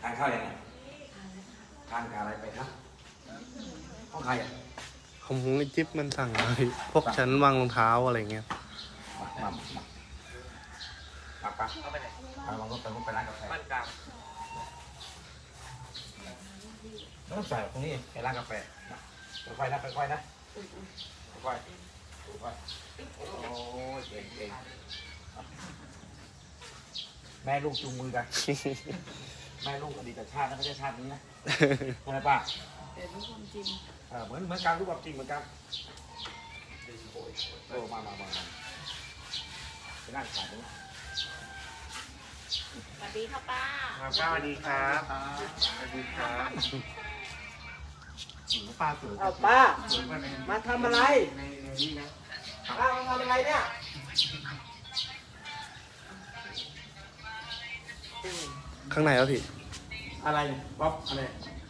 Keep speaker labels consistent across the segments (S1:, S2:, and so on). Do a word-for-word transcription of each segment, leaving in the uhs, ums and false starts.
S1: ทานข้าวยังไงทานกับอะไรไปครับห้องใครอ่ะ
S2: ของไอ้จิ๊บมันสั่งมาพี่พวกชั้นวางรองเท้าอะไรเงี้ย
S1: มามามามาปะเอาไปไหนไปวางรถไปรถไปร้านกาแฟบ้านกลางไม่ต้องใส่ตรงนี้ไปร้านกาแฟค่อยๆนะค่อยๆนะค่อยๆค่อยๆโอ้ยเก่งเก่งแม่ลูกจูงมือกันแม่ลูกอดีตชาตินะไม่ใช่ชาตินี้นะใช่ไหมป้า
S3: แต่รู้ความจริง
S1: เออเหมือนเหมือนการรู้ความจริงเหมือนกันโอ้มามามาไปนั่งขายตรงนี้
S3: สวัสดีค่ะป้า
S2: ป้าสวัสดีครับสวัสดีครับป้าสวย
S4: เอาป้ามาทำอะไรป้ามาทำอะไรเนี่ย
S2: ข้างในแล้วพี่
S1: อะไรป๊อปอะไร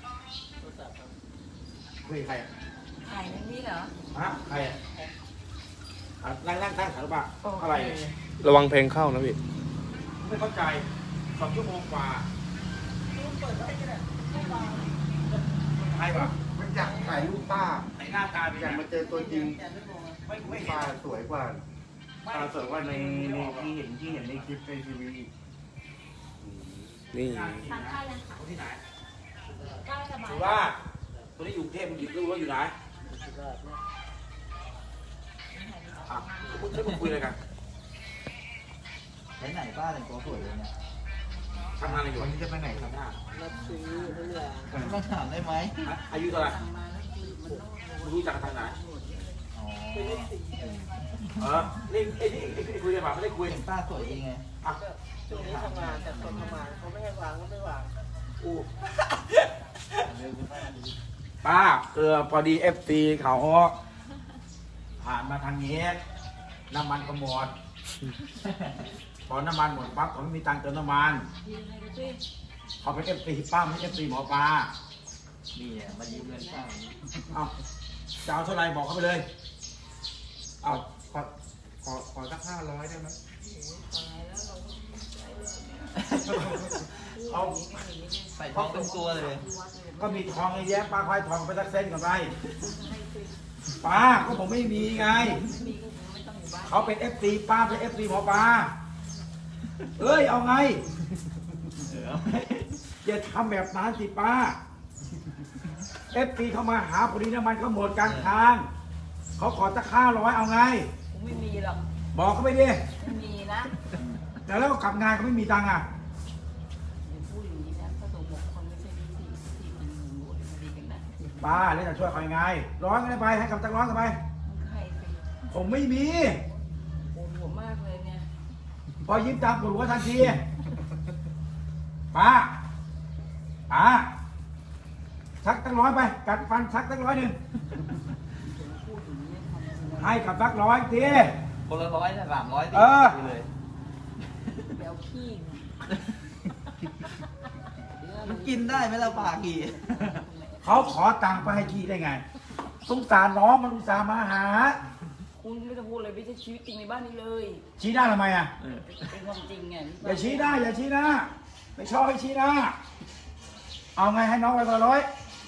S1: คุยใครอ่ะ
S3: ถ่ายนั่นนี่เหรอ
S1: ฮะใครอ่ะนั่งนั่งตั้งขาหรือเปล่าอะไร
S2: ระวังเพลงเข้านะพี่
S1: ไม่เข้าใจสองชั่วโมงกว่าใครวะ
S4: มันอยากถ่ายรูปป้า
S1: ไหนหน้าตาเป็น
S4: อยากมาเจอตัวจริง
S1: ไม่ไม่เห็น
S4: ป้าสวยกว่าป้าสวยกว่าในในที่เห็นที่เห็นในคลิปในทีวี
S2: นี่
S3: ทานข้าวยังคะ
S1: ที่ไหน
S3: ป้าสบาย
S1: สุราษฎร์ตัวนี้อยู่กรุงเทพมันอยู่รู้ว่าอยู่ไหนอ่ะพูดช่วยคุยอะไรกัน
S4: ไหนไหนป้าแต่งตัวสวยเลยเนี่ย
S1: ทำงานอะไรอยู่
S4: วันนี้จะไปไหนครับป้ารับซื้อเพื่อมาถามได้ไหม
S1: อายุเท่าไหร่
S3: สั่งมาแล้วคือมันต้อง
S1: รู้จักทางไหน
S4: อ๋อ
S1: เออนี่ไอ้นี่ไอ้คุยกันแบบไม่ได้คุย
S4: เห็นป้าสวยจริงไง
S1: อ่ะ
S5: ช่วงนี้ทำงานแต่คนทำงานเขาไม่ให้วางก็ไม่วาง
S1: อู้ป้าเออพอดีเอฟซีเขาผ่านมาทางนี้น้ำมันก็หมดพอน้ำมันหมดปั๊บเขาไม่มีตังค์เติมน้ำมันเขาเป็นเอฟซีป้าไม่ใช่เอฟซีหมอปลา
S4: นี่มายืมเงินป้า
S1: เอาจะเอาเท่าไรบอกเขาไปเลยเอา
S4: ขอขอขอสักห้าร้อยได้ไหม
S1: เอา
S4: ใส่ทองเป็นตัวเลย
S1: ก็มีทองไอ้แย้ป้าควายทองไปสักเส้นก่อนไปป้าก็ผมไม่มีไงเขาเป็นเอฟซีป้าเป็นเอฟซีหมอปลาเอ้ยเอาไงอย่าทำแบบนั้นสิป้าเอฟซีเขามาหาพอดีน้ำมันเขาหมดกลางทางเขาขอจะค่าร้อยเอาไง
S3: ผมไม่มีหรอก
S1: บอกเขาไปดิ
S3: ไม่มีนะ
S1: แต่แล้วกลับงานเขาไม่มีตังค์อ่ะ
S3: อย่าพูดอย่างนี้นะพระสงฆ์บอกคนไม่ใช่วิธีที่มันหนูมันดีกันนะ
S1: ป้าแล้วจะช่วยเขายังไงร้อนกันไปให้กับตักร้อนกันไป
S3: ใครสิ
S1: ผมไม่มี
S3: ปวดหัวมากเลยเนี่ย
S1: พอยิ้มตามปวดหัวทันทีป้าป้าชักตั้งร้อยไปกัดฟันชักตั้งร้อยหนึ่งให้กับสักร้อยที
S4: คนละร้อยนะสามร้อยตีเลย
S3: เดี๋ยวขี้
S4: มันกินได้ไหมล่ะปลากี่
S1: เขาขอตังค์ไปให้ขี้ได้ไงสงสารน้องมันอุตส่าห์มาหา
S3: คุณไม่ต้องพูดเลยไม่ใช่ชีวิตจริงในบ้านนี้เลย
S1: ชี้หน้าทำไมอ่ะ
S3: เป็นความจริงไง
S1: อย่าชี้หน้าอย่าชี้หน้าไม่ชอบให้ชี้หน้าเอาไงให้น้องไปคนละร้อย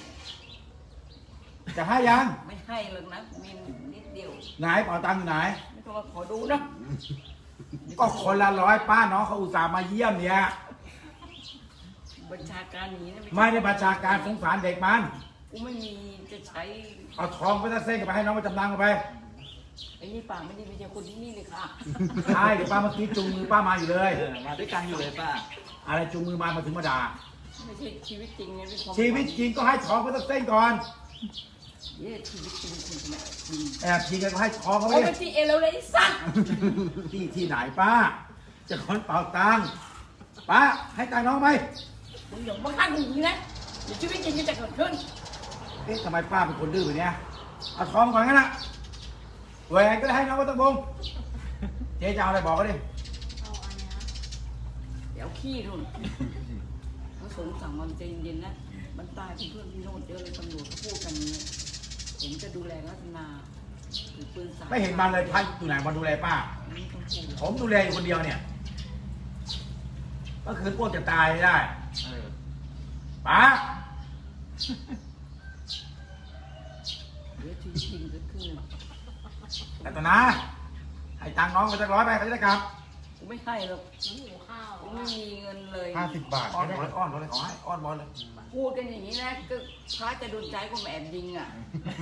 S1: จะให้ยัง
S3: ไม่ให้เลยนะมีนิดเดียว
S1: ไหนเป๋าตังค์อยู่ไหน
S3: ไม่ต้องมาขอดูนะ
S1: ก็คนละร้อยป้าน้องเขาอุตส่าห์มาเยี่ยมเนี่ย
S3: บัญชาการนี้นะ
S1: ไม่ได้บัญชาการสงสารเด็กมัน
S3: กูไม่มีจะใช้
S1: เอาทองไปสักเส้นกับไปให้น้องมาจำนำกันไป
S3: ไอ้นี่ปากไม่ดีไม่ใช่คนที่นี่เลยค่ะ
S1: ใช่เดี๋ยวป้าเมื่อกี้จูงมือป้ามาอยู่เลย
S4: มาด้วยกันอยู่เลยป้า
S1: อะไรจูงมือมามาถึงมาด่า
S3: ไม่ใช่ชีวิตจริงเนี่ย
S1: ชีวิตจริงก็ให้ทองไปสักเส้นก่อน
S3: เย่ชีวิตจริงคุณแม่
S1: แอบทีกันก็ให้ทองเขาไป
S3: โอ้ยที่เอเราเลยสัตว์
S1: ที่ที่ไหนป้าจะคนเป่าตังค์ป้าให้ตังค์น้องไหม
S3: มึงอย่ามาข้างหูนะเดี๋ยวชีวิตจริงจะเกิดขึ้น
S1: เอ๊ะทำไมป้าเป็นคนดื้อแบบนี้เอาทองก่อนงั้นนะแหวนก็ได้ให้น้องก็ต้องบงเจ๊จะเอาอะไรบอกเขาดิ
S3: เอาอันนี้เดี๋ยวขี้นู่นพระสงฆ์สั่งมันใจเย็นๆนะมันตายเพื่อนพี่โน้ตเยอะเลยตำรวจเขาพูดกันนี้ผมจะดูแลรัตนาถือปืนสาย
S1: ไม่เห็นมันเลยพันอยู่ไหนมาดูแลป้าผมดูแลอยู่คนเดียวเนี่ยก็คือพวกจะตายได้ป้า
S3: เดี๋ยวชีวิตจริงเกิดขึ้น
S1: รัตนาให้ตังค์น้องไปสักร้อยไปเขาจะได้กลับ
S3: กูไม่ให้หรอกกูไม่มีเงินเลย
S4: ห้าสิบบาท
S1: อ้อน
S4: ก็
S1: บอ
S4: ได้
S1: ลเลยอ้อนบอลเลยขอให้อ้อนบอลเลย
S3: พูดกันอย่างนี้นะก็พระจะโดนใจกูแอบยิงอ่ะ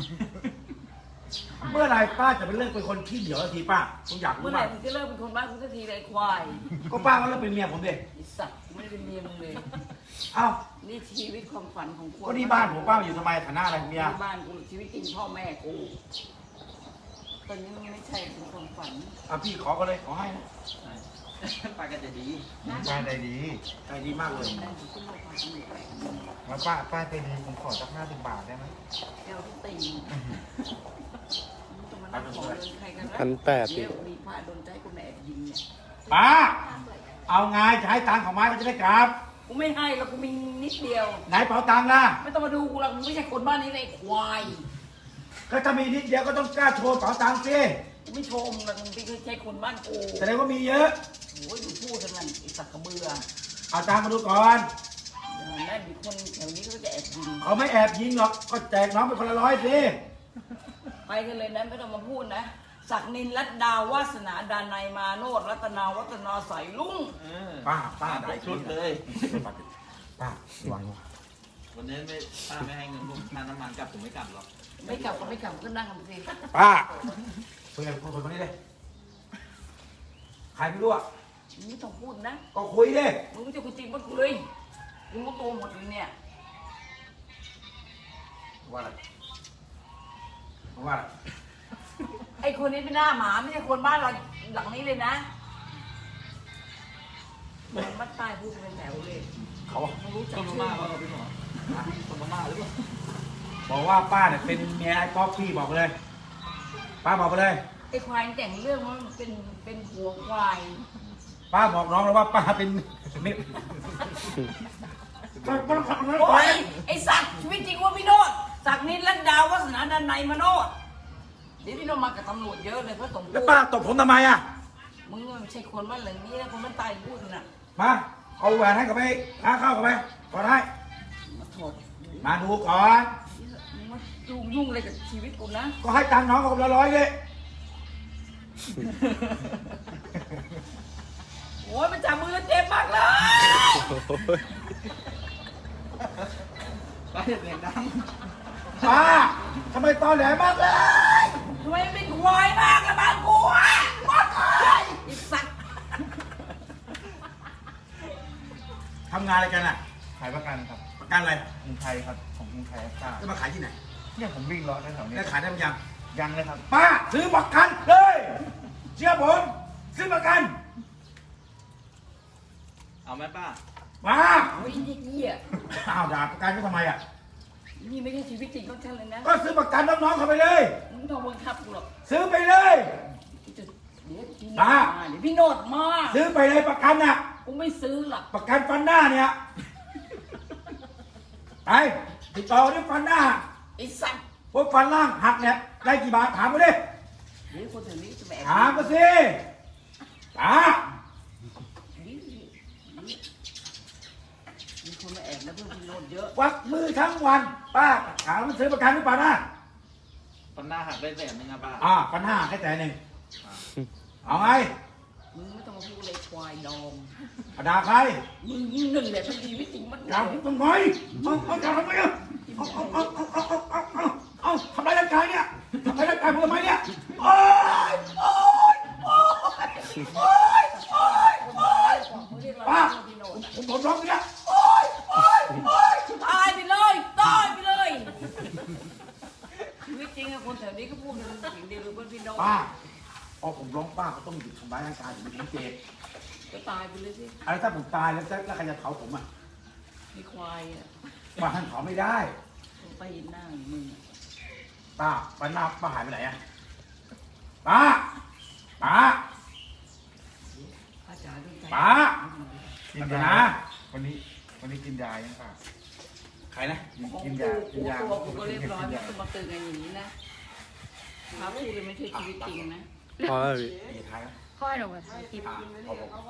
S1: เมื่อไหรป้าจะเป็นเลิกเป็นคนขี้เหนียวสักทีป้าผมอยากรู้
S3: เมื่อไหร่
S1: ป้า
S3: มึงจะเลิกเป็นคนบ้านกูสักทีเลยควาย
S1: ก็ป้าก็เลิกเป็นเมียผมดิ
S3: ไอ้สัตว์กูไม่ได้เป็นเมียมึงเลย
S1: เอ้า
S3: นี่ชีวิตความฝันของกู
S1: ก็นี่บ้านผมป้าอยู่ทำไมฐานะอะไรเมีย
S3: ที่บ้านกูชีวิตจริงพ่อแม่กูตอนนี้มันไม่ใช่เป็นความฝัน
S1: อ่ะพี่ขอก็เลยขอให้นะ
S4: ป้าก็จะดีป้าใจดี
S1: ใจดีมากเลย
S3: ได้ถึงขึ้นโรงพยาบาลตำรวจแหละ
S4: แล้วป้าป้าใจดีผมขอสักห้าสิบบาทได้ไหม
S3: แก้วที่ตีนมึงจะมานั่งขอเงินใครกันนะ
S2: พันแปด
S3: เดี๋ยวมีพระโดนใจกูแอบยิงเนี่ย
S1: ป้าเอาไงจะให้ตังค์ของไม้ก็จะได้กลับ
S3: กูไม่ให้แล้วกูมีนิดเดียว
S1: ไหนเป๋าตังค์ล่ะ
S3: ไม่ต้องมาดูกูหรอกมึงไม่ใช่คนบ้านนี้เลยควาย
S1: ก็ถ้ามีนิดเดียวก็ต้องกล้าโชว์เป๋าตังค์สิ
S3: กูไม่ชมหรอกมึงไม่ใช่คนบ้านกู
S1: แสดงว่ามีเยอะ
S3: โอ้ยอยู่พูดกันมันไอ้สักกระเบือ
S1: เอาตังค์มาดูก่อน
S3: อย่างนั้นมีคนแถวนี้ก็จะแอบยิง
S1: เขาไม่แอบยิงหรอกก็แจกน้องไปคนละร้อยสิ
S3: ไปกันเลยนะไม่ต้องมาพูดนะศักนินรัตดาวาสนาดานายมาโนดรัตนาวัฒนาใสายลุง
S1: ป้าป้า
S4: ได้ชุดเลย
S1: ป้าระวัง
S6: วันนี้ไม่ป้าไม่ให้เงินผมค่าน้ำมันกลับผมไม่กลับหรอก
S3: ไม่กลับก็ไม่กลับก็นั่งกันสิ
S1: ป้าคุยกับคนคนนี้เลยใครไม่รู้อ่ะ
S3: มึงไม่ต้องพูดนะ
S1: ก็คุยดิ
S3: มึงไม่จะคุยจริงมันกูเลยมึงรู้ตัวหมดเลยเนี่ย
S1: ว่าอะไรว่าอะไร
S3: ไอ้คนนี้เป็นหน้าหมาไม่ใช่คนบ้านเราหลังนี้เลยนะมันมัดใต้พูดเป็นแถวเลย
S1: เขา
S3: มึงรู้จัก
S6: คนพ
S3: ชื่อ
S6: ม่าเปล่าพี่หมอคนพม่าหรือเปล่า
S1: บอกว่าป้าเนี่ยเป็นเมียไอ้ก๊อฟพี่บอกไปเลย ป้าบอกไปเลย
S3: ไอ้ควายแต่งเรื่องว่ามันเป็นเป็นหัวควาย
S1: ป้าบอกน้องแล้วว่าป้าเป็นมิตร
S3: โอ้ยไอ้สัตว์ชีวิตจริงว่าพี่โนดศักนินรัตดาวาสนาดานายมาโนดเดี๋ยวพี่โนดมากับตำรวจเยอะเลยเพราะสม
S1: แล้ว
S3: พูด
S1: ป้าตบผมทำไมอ่ะ
S3: มึงไม่ใช่คนบ้านหลังนี้นะคนบ้านตายพูดน่ะ
S1: มาเอาแหวนให้กับไปหาข้าวกับไปก่อนให้
S3: มาโทษ
S1: มาดูก่อน
S3: มึงมายุ่งยุ่งอะไรกับชีวิตกูนะ
S1: ก็ให้ตังค์น้องเขาคนละร้อยเลย
S3: โอ้ยมันจับมือเจ็บมากเลย
S6: ป้าอย่าเสียงดัง
S1: ป้าทำไมตอแหลมากเลย
S3: ทำไมมันเป็นควายมากละบ้านกูอ่ะมากเลยไอ้สัตว์
S1: ทำงานอะไรกันอ่ะ
S4: ขายประกันครับ
S1: ประกันอะไร
S4: กรุงไทยครับของกรุงไทยทราบ
S1: จะมาขายที่ไหน
S4: เนี่ยผมวิ่งรอแถวๆนี้
S1: แล้วขายได้ไหมยัง
S4: ยังเลยครับ
S1: ป้าซื้อประกันเลยเชื่อผมซื้อประกัน
S6: เอาไหมป้า
S1: มา
S3: โอ้ยไอ้เหี้ย
S1: อ้าวด่าประกันก็ทำไมอ่ะ
S3: นี่ไม่ใช่ชีวิตจริงของฉันเลยนะ
S1: ก็ซื้อประกันน้องๆเขาไปเลย
S3: มึงไม่ต้องบังคับกูหรอก
S1: ซื้อไปเลย
S3: เดี๋ยวพี่โนด
S1: บ้า
S3: มาเดี๋ยวพี่โนดมา
S1: ซื้อไปเลยประกันน่ะ
S3: กูไม่ซื้อหรอก
S1: ประกันฟันหน้าเนี่ยไปติดต่อที่ฟันหน้า
S3: ไอ้สัตว์
S1: พวกฟันล่างหักเนี่ยได้กี่บาทถามมาดิ
S3: เดี๋ยวคนแถวนี้จะแบก
S1: ถามมาสิป้า
S3: มีคนมาแอบนะเพื่อนพี่โนดเยอะ
S1: วักมือทั้งวัน ป้าถามมันซื้อประกันหรือเปล่านะ
S6: ปันหน้าหักได้แสนหนึงอะป้า
S1: อ่าฟันห้าแค่แต่หนึ่งเอาไง
S3: มึงไม่ต้องมาพูดเลยควายดอง
S1: เอาด่าใคร
S3: มึงยิ่งหนึ่งเลยเป็นชีวิตจริงมัน
S1: ด่าผมทำไมเอาเอาด่าทำไมอ่ะเอาเอาเอาเอาเอาเอาเอาเอาทำร้ายร่างกายเนี่ยทำร้ายร่างกายผมทำไมเนี่ยโอ๊ยโอ๊ยโอ๊ยโอ๊ยโอ๊ยโอ๊ยป้าผมผมร้องเนี่ยโอ๊ยโอ๊ยโอ๊ย
S3: ตายไปเลยตายไปเลยชีวิตจริงอะคนแถวนี้ก็พูดกันสิ่งเดียวเลยเพื่อนพี่โนด
S1: ป้าพอผมร้องป้าก็ต้องหยุดทำร้ายร่างกายผมผมเจ็บ
S3: ก็ตายไปเลยสิ
S1: อะไรถ้าผมตายแล้วแล้วใครจะเผาผมอ่ะ
S3: ไอ้ควายอะ
S1: ป้าท่านเผาไม่ได้
S3: ไปหน้ามึงอะ
S1: ป้าป้าหน้าป้าหายไปไหนอ่ะป้าป้า
S3: อาจารย์ด้วยใจ
S1: ป้า
S4: กิน
S1: รัต
S4: ยา
S1: นา
S4: วันนี้วันนี้กินยายังป่ะ
S1: ใครนะ
S4: กิน
S3: ของ
S4: กิน
S3: กู
S4: ยากินยา
S3: ตัวกูก็เรียบร้อยไม่ต้องมาเตือนกันอย่างนี้นะพาพูดเลยไม่ใช่ชีวิตจริงนะ
S2: พอแล้วพี่
S1: ไอ้ท้ายนะ
S7: ค่อยหนูมาถ่ายคลิป
S1: อ่าพอผม